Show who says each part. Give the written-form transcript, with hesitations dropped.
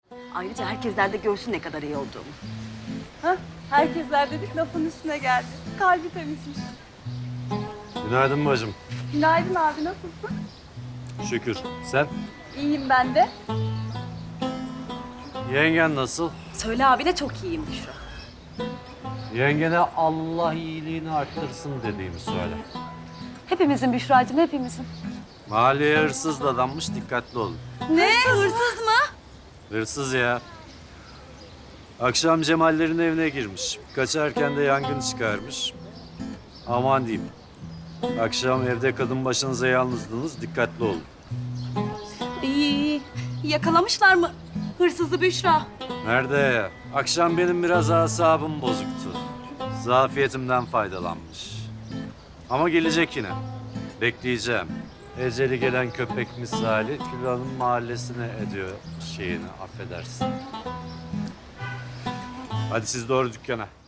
Speaker 1: Ayrıca herkesler de görsün ne kadar iyi olduğumu.
Speaker 2: Hah, herkesler dedik lafın üstüne geldi. Kalbi temizmiş.
Speaker 3: Günaydın bacım.
Speaker 2: Günaydın abi, nasılsın?
Speaker 3: Şükür. Sen?
Speaker 2: İyiyim ben de.
Speaker 3: Yengen nasıl?
Speaker 1: Söyle abine çok iyiyim Büşra.
Speaker 3: Yengene Allah iyiliğini arttırsın dediğimi söyle.
Speaker 1: Hepimizin Büşra'cığım, hepimizin.
Speaker 3: Mahalleye hırsız dadanmış, dikkatli olun.
Speaker 1: Ne? Hırsız mı?
Speaker 3: Hırsız ya. Akşam Cemallerin evine girmiş. Kaçarken de yangın çıkarmış. Aman diyeyim. Akşam evde kadın başınıza yalnızdınız, dikkatli olun.
Speaker 1: İyi. Yakalamışlar mı hırsızı Büşra?
Speaker 3: Nerede ya? Akşam benim biraz asabım bozuktu. Zafiyetimden faydalanmış. Ama gelecek yine. Bekleyeceğim. Eceli gelen köpek misali filanın mahallesine ediyor şeyini, affedersin. Hadi siz doğru dükkana.